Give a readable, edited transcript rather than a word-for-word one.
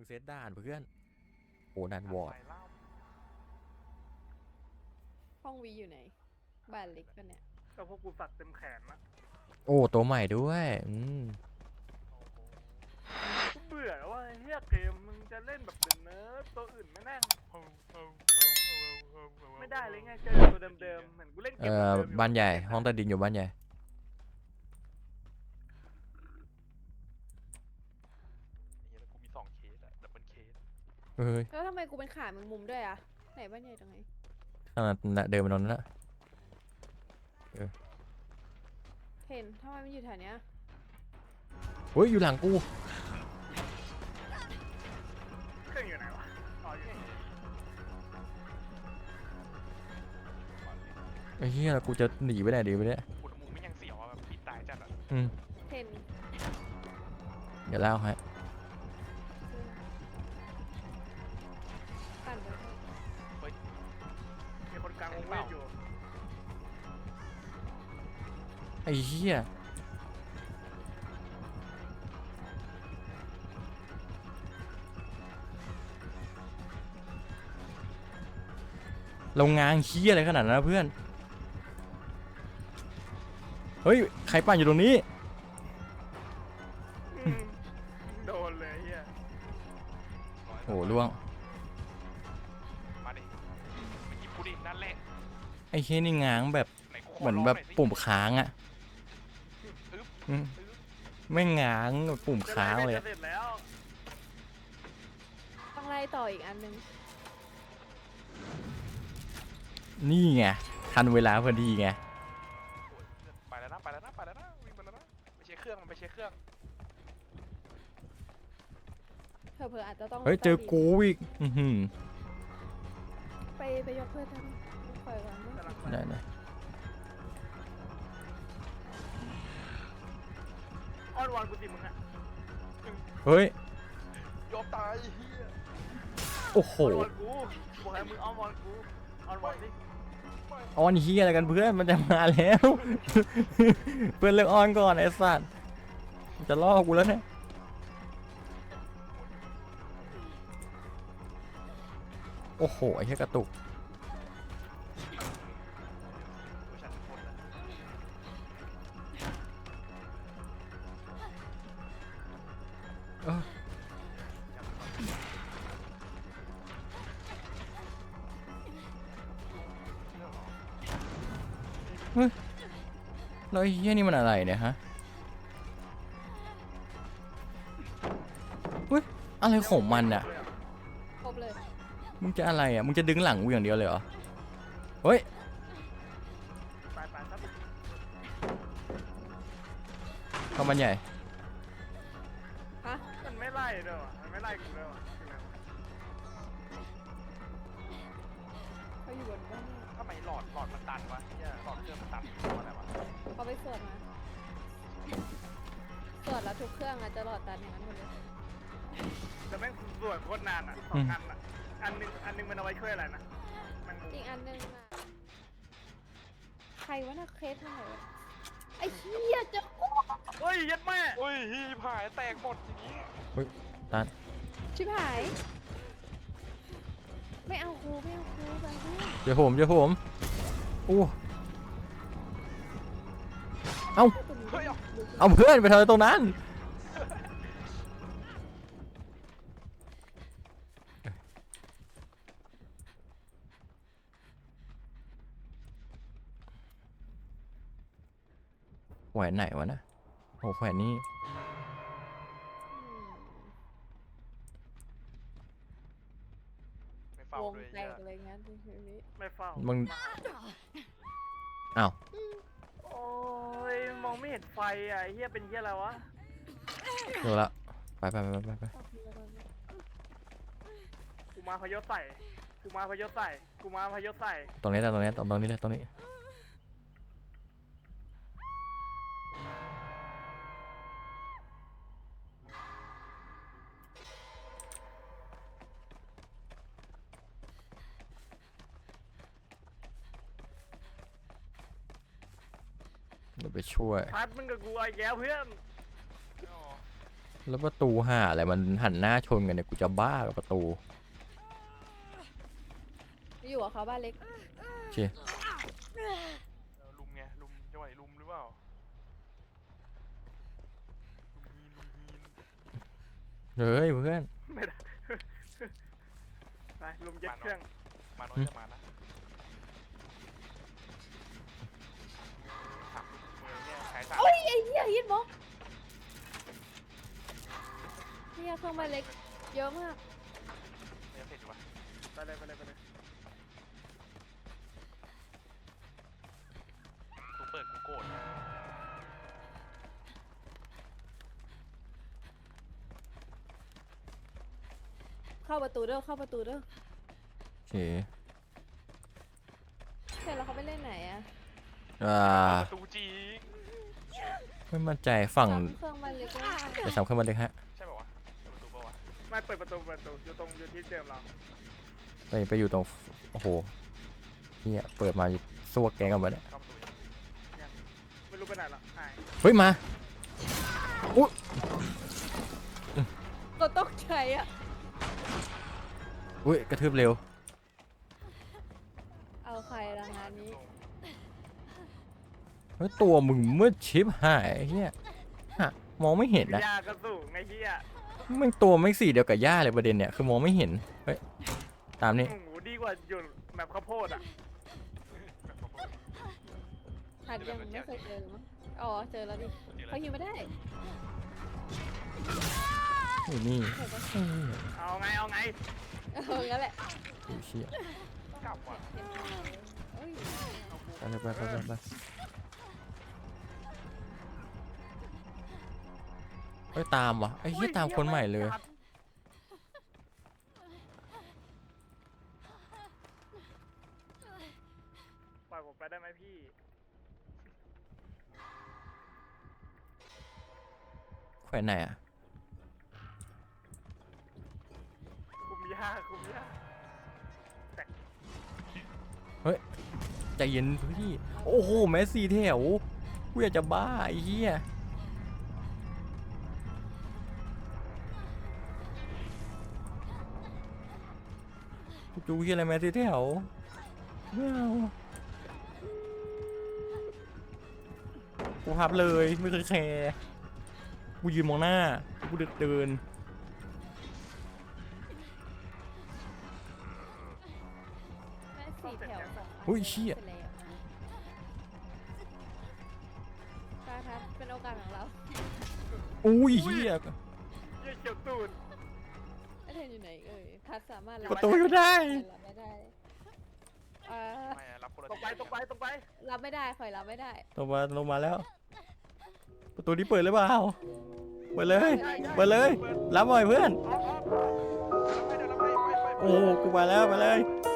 เซตด่านเพื่อนโอ้ด่านวอร์ดห้องวีอยู่ไหนบ้านเล็กปะเนี่ยก็พวกกูสักเต็มแขนนะโอ้ตัวใหม่ด้วยกูเบื่อแล้วว่าเฮียเกมมึงจะเล่นแบบเดิมเนิร์ดตัวอื่นไม่แม่งไม่ได้เลยไงเจอตัวเดิมๆเหมือนกูเล่นเกมเดิมๆอยู่บ้านใหญ่ห้องใต้ดินอยู่บ้านใหญ่เฮียแล้วกูมี2 เคสอะดับเบิลเคสเฮ้ยแล้วทำไมกูเป็นขาแมงมุมด้วยอะไหนบ้านใหญ่ตรงไหนขนาดเดินไปตรงนั้นละเห็นทำไมมันอยู่แถวเนี้ยเฮ้ยอยู่หลังกูเครื่องอยู่ไหนวะอ๋ออยู่นี่ไอ้เหี้ยกูจะหนีไปไหนดีไปเนี่ยอุณหภูมิไม่ยังเสียวอะแบบปิดตายจัดอะเห็นเดี๋ยวเล่าให้ปั่นไปเถอะมีคนกลางวงเวทอยู่ไอ้เหี้ยโรงงานเหี้ยอะไรขนาดนั้นนะเพื่อนเฮ้ยใครปั่นอยู่ตรงนี้อืมโดนเลยเฮียโอ้ล่วงมาดิมาหยิบกูดินั่นแหละไอ้เหี้ยนี่ง้างแบบไหนกูขเหมือนลงแบบยสิปุ่มค้างอะอึ๊บอืมอึ๊บไม่ง้างแบบปุ่มค้างเลยจะเสร็จแล้วต้องไล่ต่ออีกอันนึงนี่ไงทันเวลาพอดีไงไปแล้วนะไปแล้วนะไปแล้วนะวิ่งไปแล้วนะไปเช็คเครื่องมันไปเช็คเครื่องเผลอๆอาจจะต้องเฮ้ยเจอกูอีกไปยกเพื่อนทำปล่อยก่อนนะกำลังได้ได้อ้อนวอนกูสิมึงอะเฮ้ยยอมตายเฮียโอ้โหอ้อนวอนกูบอกให้มึงอ้อนวอนกูอ้อนวอนสิออนเฮียอะไรกันเพื่อนมันจะมาแล้ว เพื่อนเลิกออนก่อนไอ้สัตว์จะล่อกูแล้วเนี่ยโอ้โหไอ้เหี้ยกระตุกดูฉันทุกคนนะเออเฮ้ยแล้วไอ้เฮียนี่มันอะไรเนี่ยฮะเฮ้ยอะไรของมันอ่ะครบเลยมึงจะอะไรอ่ะมึงจะดึงหลังกูอย่างเดียวเลยเหรอเฮ้ยไปครับเข้ามันใหญ่ฮะมันไม่ไล่ด้วยว่ะมันไม่ไล่กูด้วยว่ะเขาอยู่บนบ้านเนี่ยทำไมหลอดมันตันวะเฮียหลอดเครื่องมันตันเพราะอะไรวะเขาไปสวดมาสวดแล้วทุกเครื่องอะจะหลอดตันอย่างนั้นหมดเลยแต่แม่งสวดโคตรนานอ่ะ2 อันอ่ะอันหนึงมันเอาไว้ช่วยอะไรนะมันอีกอันนึงอะใครวะน่ะเคสเท่าไหร่วะไอ้เหี้ยเจอกูเฮ้ยยัดแม่โอ้ยฮีผายแตกหมดอย่างงี้ตันชิบหาย ไม่เอาครูไม่เอาครูไปเพื่อนเดี๋ยวผมอู้เอ้าเฮ้ยเอาเอาเพื่อนไปทำอะไรตรงนั้นแขวนไหนวะนะโอ้แขวนนี้ไม่เฝ้าวงด้วยแตเฮียกเลยงั้นในชีวิตไม่เฝ้ามึงอ้าวโอ้ยมองไม่เห็นไฟอ่ะไอ้เฮียเป็นเฮียอะไรวะเจอละไปกูมาพยศใส่กูมาพยศใส่กูมาพยศใส่ตรงนี้เลยตรงนี้เดี๋ยวไปช่วยพัดมึงกับกูไอ้แก้วเพื่อนอ๋อแล้วประตูห่าอะไรมันหันหน้าชนกันเนี่ยกูจะบ้ากับประตูอยู่กับเขาบ้านเล็กโอเคลุมไงลุมจังหวะนี้ลุมหรือเปล่าลุมฮีนเฮ้ยเพื่อนไม่ได้ ไปลุมเย็ดเครื่องมาน้อยจะมานะถามมือเนี่ยขายสามโอ้ยไอ้เหี้ยฮิตบล็อกเนี่ยเครื่องบ้านเล็กเยอะมากเนี่ยเสร็จอยู่ปะไปเลยไปเลยไปเลยกูเปิดกูโกรธเข้าประตูเด้อเข้าประตูเด้อโอเคเสร็จแล้วเขาไปเล่นไหนอะประตูจริงไม่มั่นใจฝั่งซ้ำเครื่องบ้านเล็กเลยจะซ้ำขึ้นมาเลยฮะใช่ป่าวะประตูป่าวะไม่เปิดประตูอยู่ตรงอยู่ที่เดิมเราไปอยู่ตรงโอ้โหเนี่ยเปิดมาซวกแกงกันมาเนี่ยเข้าประตูไม่รู้ไปไหนหรอกหายเฮ้ยมาอุ๊ยก็ตกใจอะอุ้ยกระทืบเร็วเอาใครละงานนี้เฮ้ยตัวมึงมืดชิบหายไอ้เฮียฮะมองไม่เห็นนะยากระสูงไงเฮียมันตัวไม่สีเดียวกับย่าเลยประเด็นเนี่ยคือมองไม่เห็นเฮ้ยตามนี้โอ้โหดีกว่าอยู่แบบข้าวโพดอ่ะหัดยังไม่เคยเจอมั้งอ๋อเจอแล้วดิเขาฮิวไม่ได้อยู่นี่เห็นปะเฮ้ยเอาไงเอาไงงั้นแหละไอ้เชี่ยกลับว่ะเห็นไหมเอ้ยไปเลยไปเฮ้ยตามวะไอ้เหี้ยตามคนใหม่เลยปล่อยผมไปได้ไหมพี่แขวนไหนอ่ะคุมยาคุมยาใจเย็นพี่โอ้โหแมสซี่แถวกูอยากจะบ้าไอ้เหี้ยกูจูเหี้ยอะไรแมสซี่แถวไม่เอากูพับเลยไม่เคยแคร์กูยืนมองหน้ากูเดินแม่สี่แถวสองอันอุ้ยเชี่ยสร็จแล้วการทัดเป็นโอกาสของเราอุ้ยเหี้ยเยี่ยเขียวตูดไอเทนอยู่ไหนเอ่ยทัดสามารถประตูอยู่ได้รับไม่ได้เออไม่รับคนละตรงไปตรงไปตรงไปรับไม่ได้คอยรับไม่ได้ลงมาแล้ว ประตูนี้เปิดหรือเปล่าเปิดเลยเปิดเลยรับหน่อยเพื่อนออกไปเดี๋ยวเราไปโอ้โหกูมาแล้วไปเลยเ